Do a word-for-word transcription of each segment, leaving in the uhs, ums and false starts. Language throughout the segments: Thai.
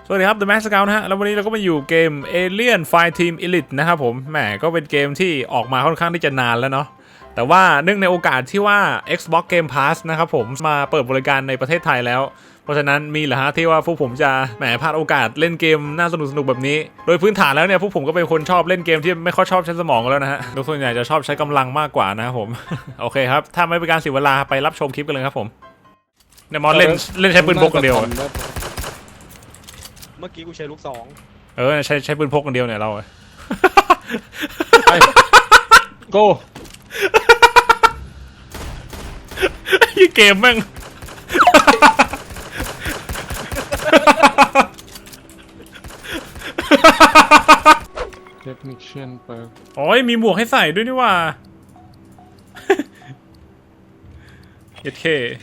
สวัสดีครับ The Max Scout นะฮะแล้ววันนี้เราก็มาอยู่เกม Alien Fireteam Elite นะครับผมแหมก็เป็นเกมที่ออกมาค่อนข้างที่จะนานแล้วเนาะแต่ว่าเนื่องในโอกาสที่ว่า Xbox Game Pass นะครับผมมาเปิดบริการในประเทศไทยแล้วเพราะฉะนั้นมีเหรอฮะที่ว่าพวกผมจะแหมพลาดโอกาสเล่นเกมน่าสนุกสนุกแบบนี้โดยพื้นฐานแล้วเนี่ยพวกผมก็เป็นคนชอบเล่นเกมที่ไม่ค่อยชอบใช้สมองแล้วนะฮะโดยส่วนใหญ่จะชอบใช้กำลังมากกว่านะครับผม โอเคครับถ้าไม่เป็นการเสียเวลาไปรับชมคลิปกันเลยครับผมเนี่ยมอสเล่นเล่นใช้ปืนพกคนเดียวเมื่อกี้กูใช้ลูกสองเออใช้ใช้ปืนพกคนเดียวเนี่ยเราไปโก้ยี่เกมแม่งเทคนิคเชียนเปิดโอ้ยมีหมวกให้ใส่ด้วยนี่ว่าเย็ดเค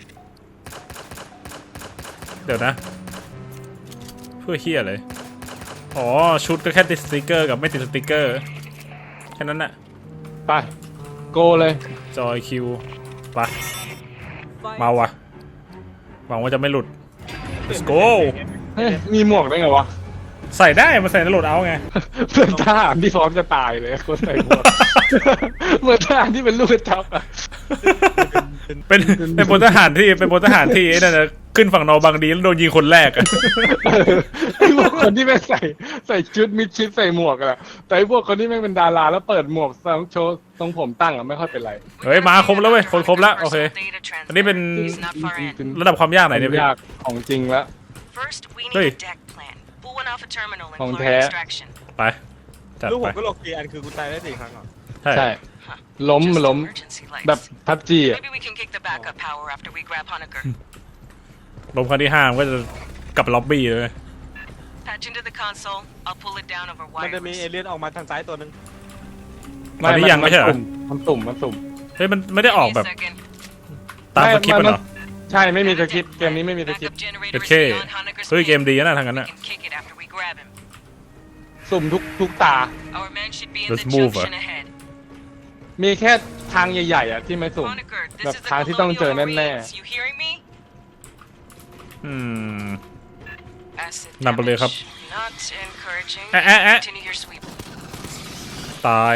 เดี๋ยวนะเพื่อเฮียเลยอ๋อชุดก็แค่ติดสติกเกอร์กับไม่ติดสติกเกอร์แค่นั้นน่ะไปโกเลยจอยคิวไปมาวะหวังว่าจะไม่หลุด let's go เฮ้ยมีหมวกได้ไงวะใส่ได้มาใส่ในโหลดเอาไงเพื่อนทหารที่พร้อมจะตายเลยคนใส่หมวกเหมือนทหารที่เป็นลูกกระจอกอะเป็นเป็นพลทหารที่เป็นพลทหารที่นั่นนะขึ้นฝั่งนอร์บางดีแล้วโดนยิงคนแรกอะไอ้พวกคนที่ไม่ใส่ใส่ชุดมิดชิดใส่หมวกอะแต่ไอ้พวกคนที่ไม่เป็นดาราแล้วเปิดหมวกโชว์ตรงผมตั้งอะไม่ค่อยเป็นไรเฮ้ยมาครบแล้วเว้ยคนครบแล้วโอเคอันนี้เป็นระดับความยากไหนเนี่ยพี่ยากของจริงแล้วเฮ้ยของแท้ไปลูกผมก็โลกีอันคือกูตายได้สี่ครั้งเหรอใช่ล้มล้มแบบพับจีอะลมครั้งที่ห้ามันก็จะกลับล็อบบี้เลยมันจะมีเอเลี่ยนออกมาทางซ้ายตัวนึงตอนนี้ยังไม่ใช่เหรอมันตุ่มมันตุ่มเฮ้ยมันไม่ได้ออกแบบตามสคริปต์มันเหรอใช่ไม่มีสคริปต์เกมนี้ไม่มีสคริปต์โอเคเฮ้ยเกมดีนะทางนั้นน่ะสุ่มทุกทุกตา Let's move อ่ะมีแค่ทางใหญ่ๆอ่ะที่ไม่สุ่มแบบทางที่ต้องเจอแน่ๆอืมนำไปเลยครับแอะแอะแอะตาย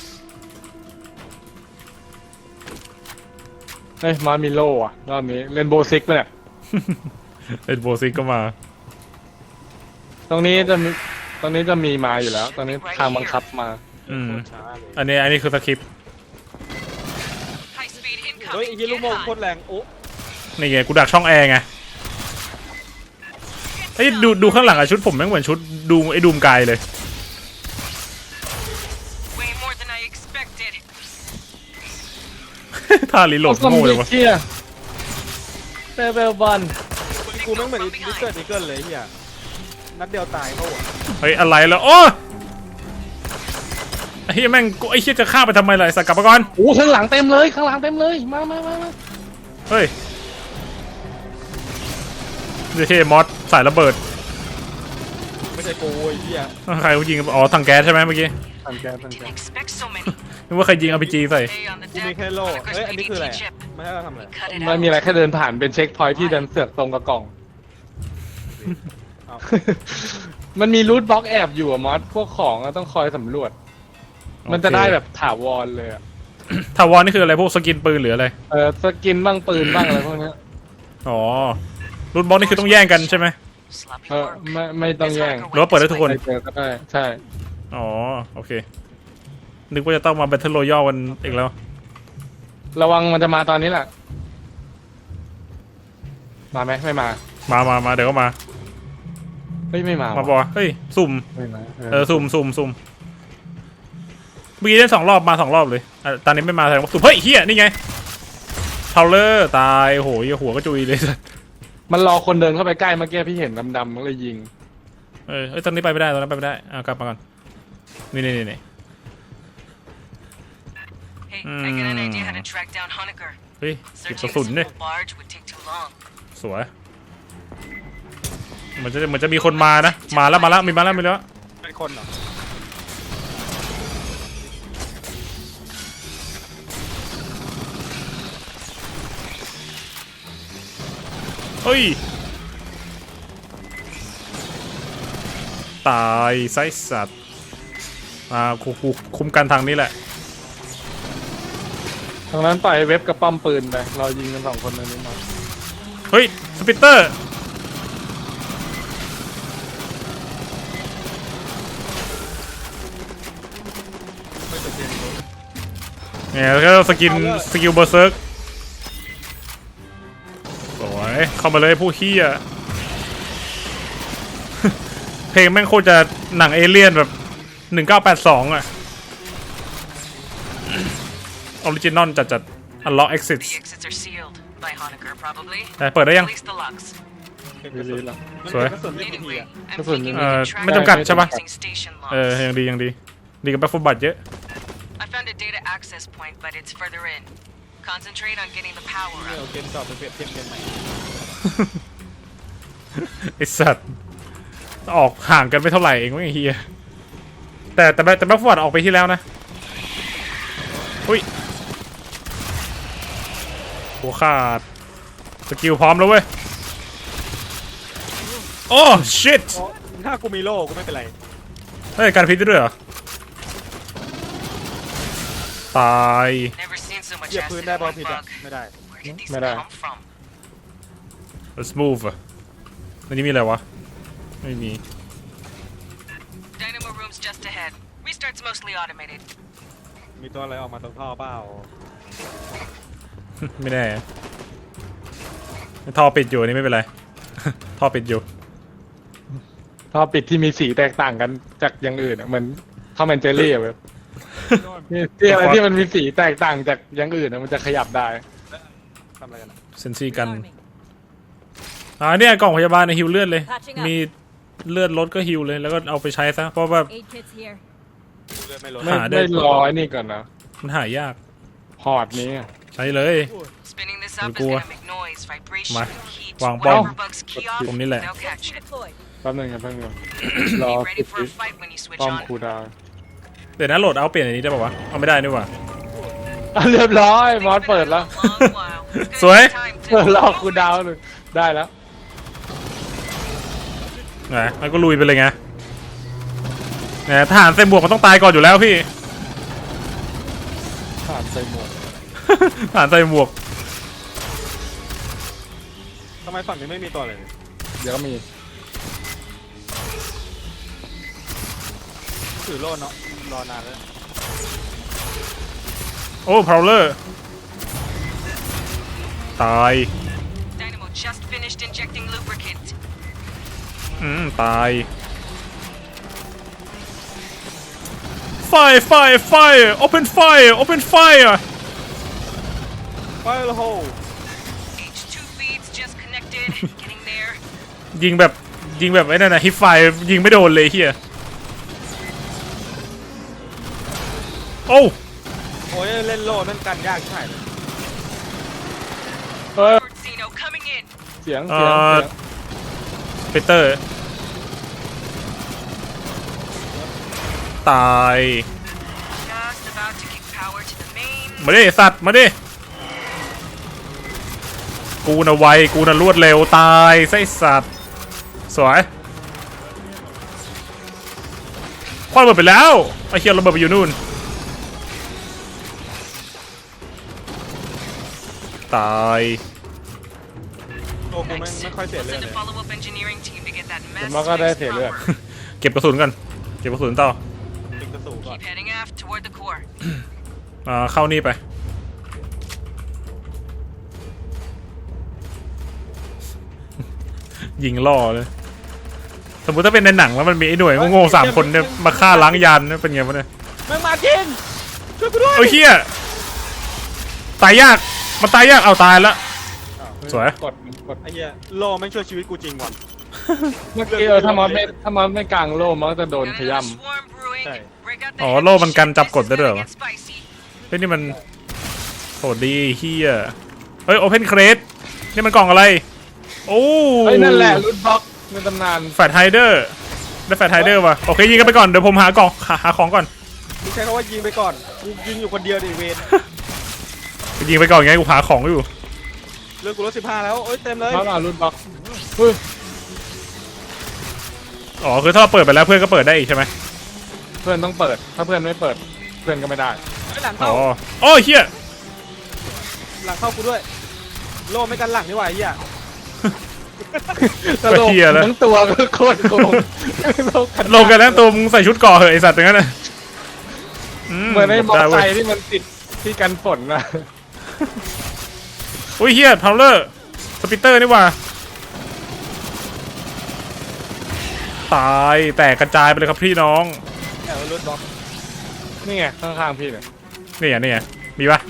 เฮ้ยมามิโลอ่ะรอบนี้เล่นโบซิกป่ะเนี่ยเล่นโบซิกก็มาตรงนี้จะมีตรงนี้จะมีมาอยู่แล้วตอนนี้ทางบังคับมาอืมอันนี้อันนี้คือสคริปต์เฮ้ยไอ้ยี่ลูกโม่โคตรแรงโอ้นี่ไงกูดักช่องแอร์ไงไอ้ดูดูข้างหลังอะชุดผมแม่งเหมือนชุดดูไอ้ดูมกายเลยท่าลีโหลดโง่เลยวะเซเบลบอลกูแม่งเหมือนดิเกิลดิเกิลเลยเฮียนัดเดียวตายเขาอ่ะเฮ้ยอะไรแล้วโอ้ไอ้เฮียแม่งกูไอ้เฮียจะฆ่าไปทำไมล่ะสักกลับมาก่อนโอ้ข้างหลังเต็มเลยข้างหลังเต็มเลยมามามาเฮ้ยนี่เฮมอสสายระเบิดไม่ใช่กูไอ้เหี้ยใครเขายิงอ๋อถังแก๊สใช่ไหมเมื่อกี้ถังแก๊สถังแก๊สนึกว่าใครยิง อาร์ พี จี ใส่กูมีแค่โล่เฮ้ยอันนี้คืออะไรไม่ให้เราทำอะไรไม่มีอะไรแค่เดินผ่านเป็นเช็คพอยท์ที่เดินเสือกตรงกับกล่องมันมีรูทบล็อกแอบอยู่อะมอสพวกของต้องคอยสำรวจมันจะได้แบบถาวรเลยอะถาวรนี่คืออะไรพวกสกินปืนหรืออะไรเออสกินบ้างปืนบ้างอะไรพวกนี้อ๋อรูทบล็อกนี่คือต้องแย่งกันใช่ไหมเออไม่ไม่ต้องแย่งหรือว่าเปิดได้ทุกคนเจอก็ได้ใช่อ๋อโอเคนึกว่าจะต้องมาแบทเทิลโรยัลกันอีกแล้วระวังมันจะมาตอนนี้แหละมาไหมไม่มามามามาเดี๋ยวก็มาเฮ้ยไม่มามาบอกเฮ้ยสุ่มเออสุ่มสุ่มสุ่มเมื่อกี้ได้สองรอบมาสองรอบเลยตอนนี้ไม่มาแสดงว่าสุ่มเฮ้ยเฮียนี่ไงเทาเลอร์ตายโหยหัวก็จุยเลยมันรอคนเดินเข้าไปใกล้เมื่อกี้พี่เห็นดำๆมันเลยยิงเออตอนนี้ไปไม่ได้ตอนนั้นไปไม่ได้อ่ะกลับมาก่อนนี่นี่นี่เฮ้ยเก็บกระสุนดิสวยมันจะมันจะมีคนมานะมาแล้วมาแล้วมีมาแล้วมีแล้วเป็นคนเหรอเฮ้ยตายไส้สัตว์มากูกูคุมกันทางนี้แหละทางนั้นปล่อยเว็บกับป้อมปืนไปเรายิงกันสองคนในนี้มาเฮ้ยสปิตเตอร์เนี่ยแล้วก็สกินสกิลเบอร์เซิร์กสวยเข้ามาเลยผู้เฮีย เพลงแม่งโคตรจะหนังเอเลี่ยนแบบหนึ่งเก้าแปดสองอะออริจินอลจัดจัด unlock exits The exits are sealed by Honecker, probably. แต่เปิดได้ยัง At least the locks. ดีๆแล้วมันสวยเป็นกระสุนไม่กี่ที Anyway, อะ I'm That's what thinking you we Uh, can track ไม่จำกัด the ใช่ปะ missing station เออ logs. ยังดียังดีดีกับแบ็คฟุตบัตเยอะ I found a data access point, but it's further in. Concentrate on getting the power เนี่ย up. เอาเกมเก่าไปเปรียบเทียบเกมใหม่ไอสัตว์ออกห่างกันไม่เท่าไหร่เองไม่เฮียแต่แต่แต่แบ็คฟุตบัตออกไปที่แล้วนะอุ้ยหัวขาดสกิลพร้อมแล้วเว้ยโอ้ชิตเพราะถ้ากูมีโล่กูไม่เป็นไรเฮ้ยการพิษได้ด้วยเหรอตาย Never seen so much เหยียบพื้น acid ได้ in บอล one ผิดอะ bug. ไม่ได้ Where did these ไม่ได้ come from? let's move อะในนี้มีอะไรวะไม่มี Dynamo room's just ahead. Restart's mostly automated. มีตัวอะไรออกมาตรงท่อเปล่าไม่แน่ท่อปิดอยู่อันนี่ไม่เป็นไร ท่อปิดอยู่ท่อปิดที่มีสีแตกต่างกันจากอย่างอื่นอะเหมือนข้าวแมนเจอรี่อะเว็บนี่ที่อะไรที่มันมีสีแตกต่างจากอย่างอื่นอะมันจะขยับได้ทำอะไรกันอะเซนซี่กันอ่าเนี่ยกล่องพยาบาลในฮิวเลือดเลย มีเลือดลดก็ฮิวเลยแล้วก็เอาไปใช้ซะเพราะว่า Aid kits here. เลือดไม่ลดไม่หาได้ไม่รอไอ้นี่ก่อนนะมันหายากพอร์ตนี้อะใช้เลย Spinning this up is Gua. gonna make noise, vibration, Ma. heat. Wang Whatever bom. bugs key off, Bom ni lẹ. they'll catch it. Deployed. แป๊บนึงครับแป๊บนึงรอ Be ปิ ready ด for a fight when you switch ป้อม on. คูลดาวน์เดี๋ยวนะโหลดเอาเปลี่ยนอันนี้ได้ป่าวะเอาไม่ได้นี่หว่าอ่ะเรียบร้อยมอส It's เปิด been แล้ว a long while. It's สวย gonna take time to เปิดรอ move คูล it. ดาวน์เลยได้แล้วไงแล้วก็ลุยไปเลยไงเนี่ยทหารใส่หมวกมันต้องตายก่อนอยู่แล้วพี่ผ่านใส่หมวกทหารใส่หมวกทำไมฝั่งนี้ไม่มีตัวเลยเดี๋ยวก็มีถือโล่เนาะรอนานแล้วโอ้พาวเลอร์ตาย Dynamo just finished injecting lubricant. อืมตายไฟไฟไฟ open fire open fire ไฟล์โฮ H two feeds just connected. Getting there. ยิงแบบยิงแบบไอ้นั่นนะฮิปไฟยิงไม่โดนเลยเฮียโอ้โอ้ยเล่นโล่นั่นกันยากใช่ไหมเฮ้ย Lord Zeno coming in. เสียงเอ่เสียงอเสียงปีเตอร์ตาย Just about to kick power to the main. มาดิสัตว์มาดิกูน่ะไวกูน่ะรวดเร็วตายไส้สัตว์สวยคว้าระเบิดไปแล้วไอ้เคียระเบิดไปอยู่นู่นตายโอ้กูไม่ไม่ค่อยเสีย We'll เลือด send เล a ย follow-up engineering team to get that ผม mess ว่าก็ได้ fixed เสียเลือด proper. เก็บกระสุนกันเก็บกระสุนต่อติงกระสูก่อน Keep heading aft toward the core. อ่าเข้านี่ไปยิงล่อเลยสมมุติถ้าเป็นในหนังแล้วมันมีไอ้หน่วยโง่ๆสามคนเนี่ยมาฆ่าล้างยานเนี่ยเป็นไงวะเนี่ยแม่งมาจริงช่วยกูด้วยโอ้ยเฮียตายยากมันตายยากเอาตายแล้ว สวยกดกดไอ้เหี้ยโล่แม่งช่วยชีวิตกูจริงว่ะเมื่อกี้เออถ้ามอสไม่ถ้ามอสไม่กลางโล่มันก็จะโดน Got ข another ย้ำ swarm brewing. Hey. Break out the อ๋อ heavy โล่มันกัน shit. จับกด This ได้ is ด้วยเหร gonna อ get spicy. เฮ้ยนี่มันโหดดีเฮียเฮ้ยโอเพนเครสนี่มันกล่องอะไรโอ้เฮ้ยนั่นแหละรูทบล็อกในตำนานแฟตไฮเดอร์ได้แฟตไฮเดอร์ว่ะโอเคยิงกันไปก่อนเดี๋ยวผมหากล่องหาหาของก่อนกูใช้คำว่ายิงไปก่อนกูยิงอยู่คนเดียวดิเวนยิงไปก่อนไงกูหาของอยู่เลือดกูลดสิบห้าแล้วโอ้ยเต็มเลยเขาเอารูทบล็อกเฮ้ยอ๋อคือถ้าเราเปิดไปแล้วเพื่อนก็เปิดได้อีกใช่ไหมเพื่อนต้องเปิด ถ้าเพื่อนไม่เปิด เพื่อนก็ไม่ได้ไอ้หลังอ๋เข้าอโอ้ยเฮียหลังเข้ากูด้วยโล่ไม่กันหลังนี่หว่าไอ้เหี้ยตลกทั้งตัวก็โคตรโกงลงกันแล้วตัวมึงใส่ชุดเกราะเหอะไอสัตว์อย่างนั้นนะเหมือนไอ้มอเตอร์ไซด้ค์เว้ยที่มันติดที่กันฝนนะอุ้ยเฮียพาวเลอร์สปิตเตอร์นี่หว่าตายแตกกระจายไปเลยครับพี่น้องแอบรถบล็อกนี่ไงข้างๆพี่เนี่ยนี่อ่ะนี่อ่ะมีปะ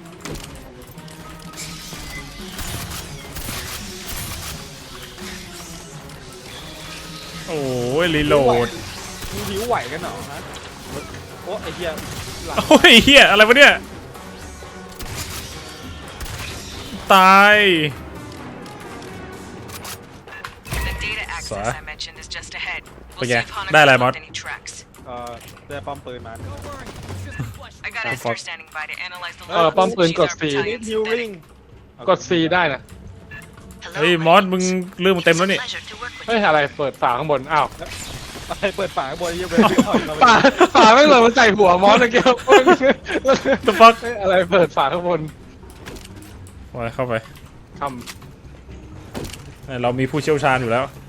โอ้ยรีโหลดมึงหิวไหวกันเหรอฮะโอ้ไอ้เหี้ยหลังโอ้ยเฮียอะไรวะเนี่ยตาย The data access Sorry. I mentioned is just ahead. But We'll yeah, see if Hanukkah ได้อะไร left มอส any tracks. เอ่อได้ป้อมปืนมา I got Oh, Esther fuck. standing by to analyze the เออ log. ป้อมปืน She's ก our ด C battalion's ฮิวริง medic. กด C ได้นะ Hello, เฮ้ย my มอส name มึง is- เรื่องมึงเต็มแล้วนี่ Pleasure to work with เฮ้ยอะไรเปิดฝาข้างบน อ้าวไปเปิดฝาข้างบนไอ้เหี้ยเว้ยถอยมาฝาฝาไม่เหลือมันใส่หัวมอสตะเกียบ The fuck เฮ้ยอะไรเปิดฝาข้างบนมาเข้าไปทเรามีผู้เชี่ยวชาญอยู่แล้วำ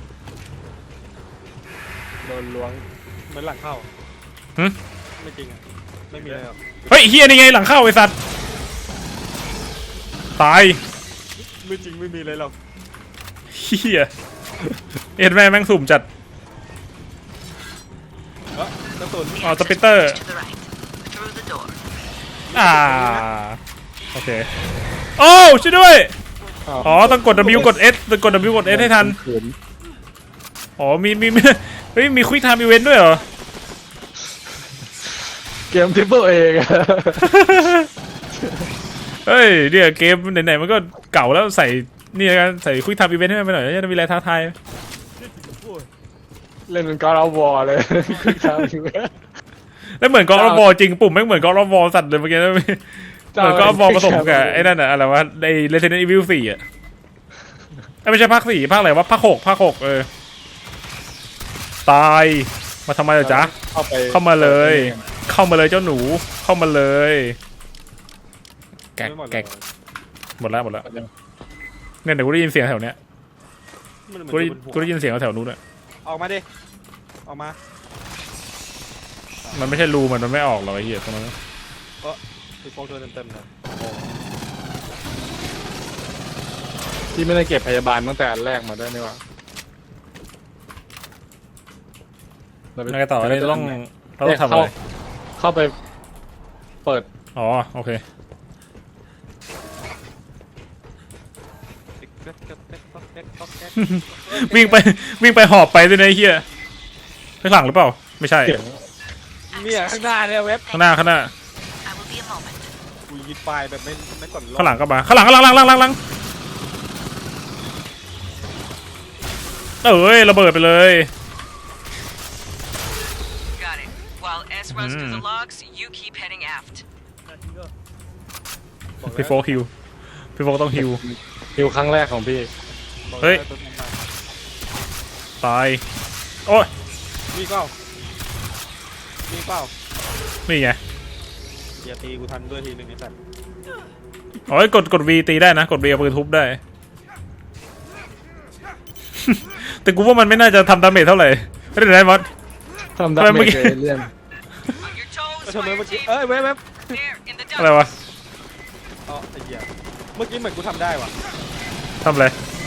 โดนล้วงเหมือนหลังเข้าหึไม่จริงอ่ะไม่มีอะไรหรอกเฮ้ยเฮียนี่ไงหลังเข้าไอสัตว์ตายไม่จริงไม่มีอะไรหรอกเฮียเอ็ดแม่แม่งสุ่มจัดเออกระสุนอ๋อสปิตเตอร์ to the right. Through the door. อ่าโอเคโอ้ช่วยด้วยอ๋อต้องกด W กด S ต้องกด W กด S ให้ทันขืนอ๋อมีมีมีเฮ้ยมีควิกไทม์อีเวนต์ด้วยเหรอเกมทริปเปิลเองเฮ้ยเดี๋ยวเกมไหนๆมันก็เก่าแล้วใส่นี่ละกันใส่ควิกไทม์อีเวนต์ให้มันไปหน่อยจะมีอะไรท้าทายเล่นเป็นกอล์ฟวอลเลยคือทำอยู่แล้วเหมือนกอล์ฟบอลจริงปุ่มไม่งเหมือนกอล์ฟบอลสัตว์เลยเมื่อกี้นะเหมือนกอล์ฟบอลผสมกับไอ้นั่นอะอะไรวะใน Resident Evil สี่อะเอ้ยไม่ใช่ภาคสี่ภาคอะไรวะภาคหกภาคหกเออตายมาทำไมล่ะจ๊ะเข้าไปเข้ามาเลย เข้ามาเลยเจ้าหนูเข้ามาเลยแกกไม่หมดแกเลยกหมดแล้วหมดแล้วเนี่ยเดี๋ยวกูได้ยินเสียงแถวเนี้ยมันเหมือนกูได้อยู่บนหัวกูได้ยินเสียงแถวนู้นอะออกมาดิออกมามันไม่ใช่รูมันมันไม่ออกหรอกไอ้เหี้ยตรงนั้นคือโฟกเธอเต็มๆเลยที่ไม่ได้เก็บพยาบาลตั้งแต่อันแรกมาด้วยนี่หว่ายังไงต่อเราต้องเราต้องทำอะไรเข้าไปเปิดอ๋อโอเควิ่งไปวิ่งไปหอบไปด้วยนะไอ้เหี้ยข้างหลังหรือเปล่าไม่ใช่เสียงเนี่ยข้างหน้าเนี่ยเว็บข้างหน้าข้างหน้า I will be a moment. กูยิงปลายแบบไม่ไม่กดล็อกข้างหลังก็มาข้างหลังข้างหลังข้างหลังข้างหลังข้างหลังเอ้ยระเบิดไปเลย Got it. While S runs through the Mm. logs, you keep heading aft. บอกแล้วพี่โฟกฮิวพี่โฟกต้องฮิวฮิวครั้งแรกของพี่บอกแล้วเฮ้ยตัวนั้นมาตายโอ้ยมีเปล่ามีเปล่านี่ไงอย่าตีกูทันด้วยทีนึงไอ้สัตว์อ๋อกดกด V ตีได้นะกด V เอาปืนทุบได้ แต่กูว่ามันไม่น่าจะทำดาเมจเท่าไหร่ไม่ได้ไหนมอสทำดับทำไมเมื่เมอจกี้เอเลี่ยน On your toes, ทำไม fire เมื่อกี้ team. เอ้ยเว็บเว็บ There, in the อะไร dump. วะอ๋อไอ้เหี้ยเมื่อกี้เหมือนกูทำได้ว่ะทำอะไร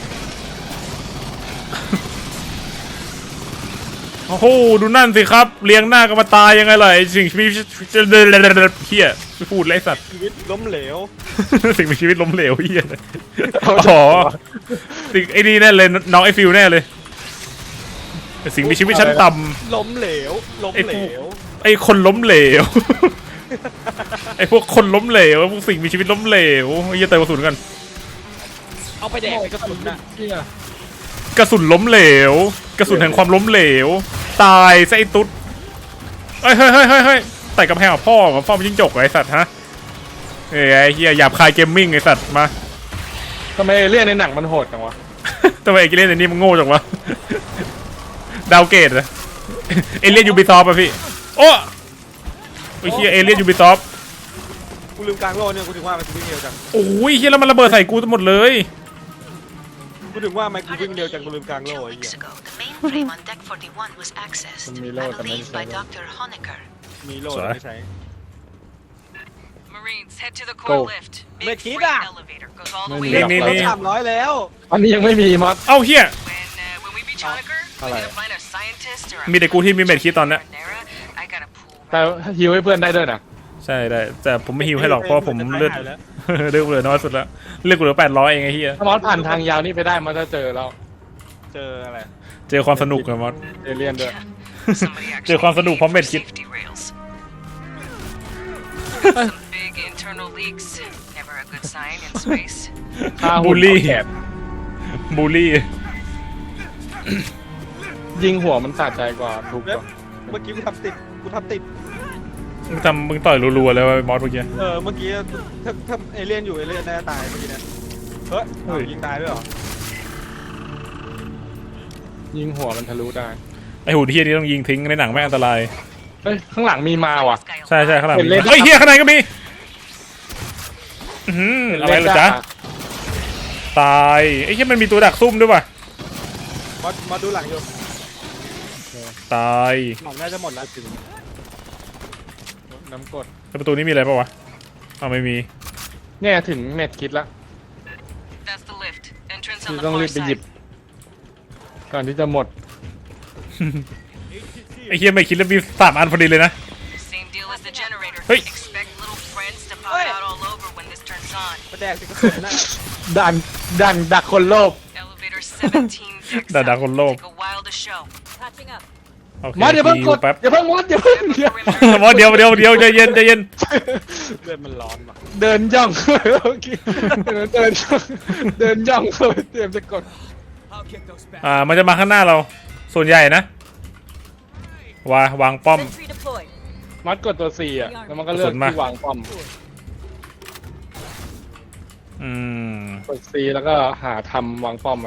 โอ้โหดูนั่นสิครับเลี้ยงหน้ากันมาตายยังไงล่ะไอ้สิ่งมีเฮียไม่พูดเลยไอ้สัตว์ชีวิตล้มเหลวสิ่งมีชีวิตล้มเหลวเฮียอ๋อสิ่งไอ้นี่แน่เลยน้องไอ้ฟิวแน่เลยแต่สิ่งมีชีวิตชั้นต่ล้มเหลวล้มไอ้เหลพวกวำไอ้คนล้มเหลว ไอ้พวกคนล้มเหลวพวกสิ่งมีชีวิตล้มเหลวไอ้เหี้ยเติมกระสุนกันเอาไปแดกไอ้กระสุนน่ะกระสุนล้มเหลว กระสุนแห่งความล้มเหลว ตายซะไอ้ตุ๊ดเฮ้ยเฮ้ยเฮ้ยเฮ้ยเฮ้ยไต่กำแพงกับพ่อกับพ่อมันจิ้งจกเหรอไอ้สัตว์ฮะเอ้ยไอ้เหี้ยหยาบคายเกมมิ่งไอ้สัตว์มาทำไมเอเลี่ยนในหนังมันโหดจังวะทำไมไอ้กิเลนไอ้นี่มันโง่จังวะดาวเกตอะเอเลียนยูบิซอฟอะพี่โอ้ไอ้เฮียเอเลียนยูบิซอฟกูลืมกลางโลกเนี่ยกูถึงว่ามันกูวิ่งเร็วจังโอ้ยเฮียแล้วมันระเบิดใส่กูหมดเลยกูถึงว่ามันกูวิ่งเร็วจังกูลืมกลางโล Two กไอ้เหี้ weeks ย ago, the mainframe on Deck forty-one was accessed, I believe by Doctor Honecker. มีโลแต่ไม่ใช้ Marines, head to the Go. core lift. Big Make it freight up. elevator goes all the Make way it up. up. When, นี่สามร้อยแล้วอันนี้ยังไม่มีมอสเอ้าเฮีย uh, when we reach Honecker, we Alright. need to find a scientist or a มีแต่กูที่มีเม็ดคิดตอนเนี้ย Marinara. I gotta pull แต่ฮิวให้เพื่อนได้ด้วยนะใช่ได้แต่ผมไม่ฮิวให้หรอกเพราะว่าผมเลือดจะตายแล้วเลือดเหลือน้อยสุดแล้วเลือดกูเหลือแปดร้อยเองไอ้เฮียถ้ามอสผ่านทางยาวนี่ไปได้มอสจะเจอแล้วเจออะไรเจอความสนุกอะมอสเอเลียนด้วย somebody เจอความสนุกพร้อมเม็ดคิด safety rails. Some big internal leaks. Never a good sign in space. ฆ่าบูหุ่ลนลี่เอาแขนบูลลี่ยิงหัวมันสะใจกว่าทุกเว็บกว่าเมื่อกี้กูทำติดกูทำติดมึงทำมึงต่อยรัวๆเลยว่ะมอสเมื่อกี้เออเมื่อกี้ถ้าถ้าเอเลี่ยนอยู่เอเลี่ยนน่าจะตายเมื่อกี้เนี่ยเฮ้ยเอายิงตายด้วยเหรอยิงหัวมันทะลุได้ไอหุ่นเฮียนี่ต้องยิงทิ้งในหนังแม่งอันตรายเฮ้ยข้างหลังมีมาว่ะใช่ใช่ข้างหลังเห็นเลยเฮ้ยเฮียข้างในก็มีอื้อหืออะไรเหรอจ๊ะตายไอ้เฮียมันมีตัวดักซุ่มด้วยว่ะมามาดูหลังอยู่ตายหลังน่าจะหมดแล้วถึงน้ำกดแล้วประตูนี้มีอะไรปะวะอ้าวไม่มีเนี่ยถึงเม็ดคิดแล้ว That's the lift. Entrance คือ on the ต้อง far รีบไปหยิบ side. ก่อนที่จะหมดไอ้เฮียไม่คิดแล้วมีสามอันพอดีเลยนะ Same deal as the generator. Hey. Expect little friends to pop Hey. out all over when this turns on. มาแดกสิกระสุนนะดันดันดักคนโลภ Elevator seventeen decks ด่า up. ด่าคนโลภ Take a while to show. โอเคมอสอย่าเพิ่งกดแป๊บอย่าเพิ่งมอสอย่าเพิ่ง Grab เดี๋ยว the perimeter. มอสเดียวเดียวเดียวใจเย็นใจเย็นเลือดมันร้อนว่ะเดินย่องโอเคเดินย่องเดินย่องเตรียมจะกดอ่ามันจะมาข้างหน้าเราส่วนใหญ่นะวางวางป้อม Sentry deployed. มอสกดตัวสี่อ่ะแล้วมันก็เลือกกดมาที่วางป้อมอืมกดซีแล้วก็หาทำวางป้อมไว้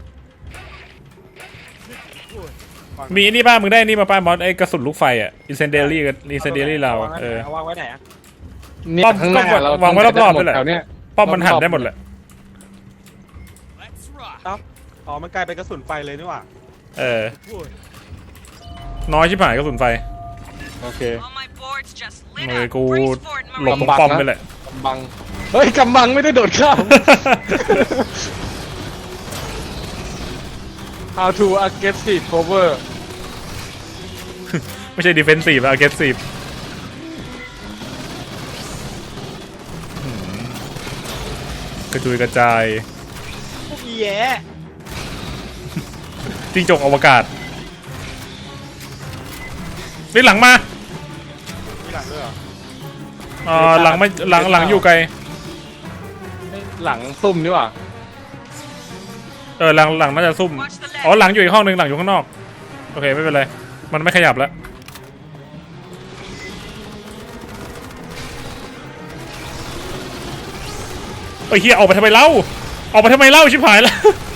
มีนี่ป้ามึงได้นี่มาป้ามอสไอ้กระสุนลูกไฟอ่ะอินเซนเดอรี่กับอินเซนเดอรี่เราอะเออเอาวางไว้ไหนอะเนี่ยป้อมข้างหน้าก็เราวางไว้รอบๆด้วยแหละแถวเนี้ยป้อมมันหันได้หมดแหละเอ้าอ๋อมันกลายเป็นกระสุนไฟเลยนี่หว่าเออน้อยชิบหายกระสุนไฟโอเค All my boards just lit มือ up. กู Brace for it, หลบ Marine. ตรงป้อมไปแหละกำบังเฮ้ยกำบังไม่ได้โดดข้าม How to aggressive cover ไม่ใช่ defensive อะ aggressive อืมกระจุยกระจายพวกอีแย่จิ้งจกอวกาศนี่หลังมามีหลังด้วยเหรอเอ่อหลังไม่หลังหลังอยู่ไกลหลังซุ่มนี่หว่าเออหลังหลังน่าจะซุ่มอ๋อหลังอยู่อีกห้องหนึ่งหลังอยู่ข้างนอกโอเคไม่เป็นไรมันไม่ขยับแล้วเอ้ยเฮียออกไปทำไมเล่าออกไปทำไมเล่าชิบหายแล้ว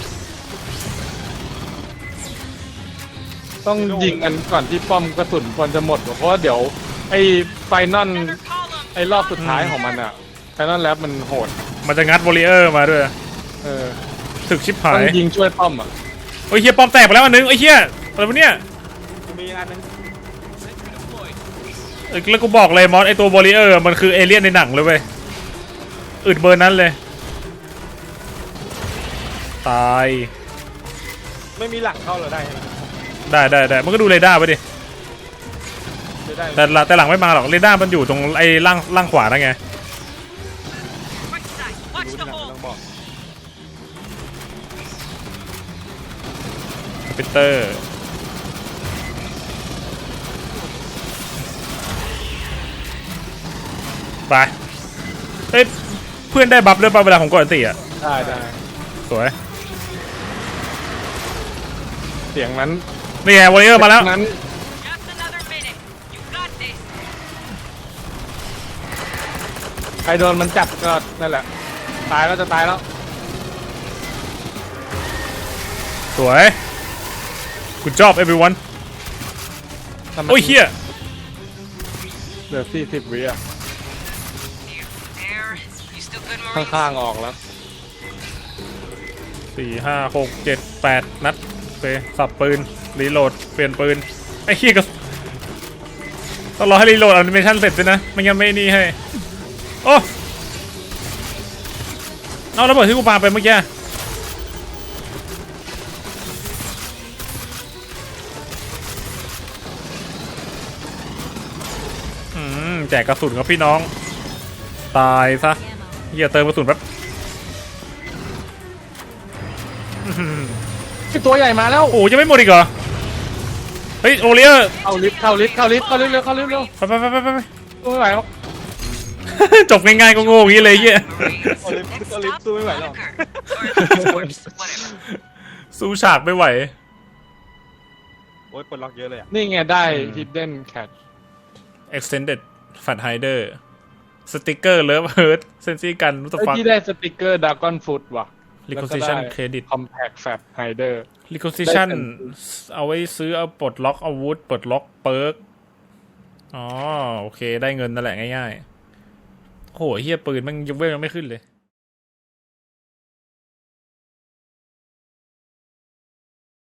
ต้องยิงกันก่อนที่ป้อมกระสุนควรจะหมดเพราะว่าเดี๋ยวไอ้ไฟนอล Another column. ไอ้รอบสุดท้ายของมันอ่ะไฟนอลแลบมันโหดมันจะงัดวอลเลเยอร์มาด้วยเออถึกชิบหาต้ยองยิงช่วยป้อมอ่ะโอ้ยเฮียป้อมแตกไปแล้วอันนึงไอ้เฮียอะไรวะเนี่ยกูมีอีกอันนึงเอ้ยแล้วกูบอกเลยมอสไอตัววอลเลเยอร์มันคือเอเลี่ยนในหนังเลยเว้ยอึดเบอร์นั้นเลยตายไม่มีหลังเข้าเหรอได้ไหมได้ได้ได้มันก็ดูเรดาร์ไปดิไม่ได้แต่ละแต่หลังไม่มาหรอกเรดาร์มันอยู่ตรงไอ้ล่างล่างขวานั่นไง Right side. Watch รู้ the ที่หลัง hole. ต้องบอกปิเตอร์ไปเฮ้ยเพื่อนได้บัฟด้วยป่ะเวลาผมกดอันติอ่ะได้ได้สวยเสียงนั้นนี่ไงวอลเลเยอร์มาแล้วนั้น Just another minute. You got this. ใครโดนมันจับก็นั่นแหละ ตายแล้วจะตายแล้วสวย good job everyone โอ้ยเฮียเหลือสี่สิบวิอ่ะ You there? You still good, ข้ Marines? างๆออกแล้วสี่ห้าหกเจ็ดแปดนัดโอเคสับปืนรีโหลดเปลี่ยนปืนไอ้เฮียก็ต้องรอให้รีโหลดแอนิเมชันเสร็จด้วยนะไม่งั้นไม่นี่ให้โอ้เอาระเบิดที่กูปาไปเมื่อกี้อืมแจกกระสุนครับพี่น้องตายซะเฮียเติมกระสุนแป๊บตัวใหญ่มาแล้วโอ้ยังไม่หมดอีกเหรอเฮ้ยโอเลียเข้าลิฟต์เข้าลิฟต์เข้าลิฟต์เข้าลิฟต์เร็วเข้าลิฟต์เร็วไปไปไปไปไปตัวไม่ไหวแล้วจบง่ายๆก็โง่อย่างนี้เลยเหี้ย Marines, เอาลิฟต์ next เอาลิฟต์ stop, สู้ไม่ไหวหรอก Bunker. Or Corpse, whatever. สู้ฉากไม่ไหวโอ้ยปลดล็อกเยอะเลยอ่ะนี่ไงได้ hidden cat extended fat hider สติกเกอร์เลิฟเฮิร์ตเซนซี่กันรู้สึกไอ้ฟังที่ได้สติกเกอร์ดากอนฟุตว่ะ requisition credit compact fat hider requisition ได้เป็นเอาไว้ซื้อเอาปลดล็อกอาวุธปลดล็อกเปิร์กอ๋อโอเคได้เงินนั่นแหละง่ายๆโหเฮียปืนมันยังเวลยังไม่ขึ้นเลย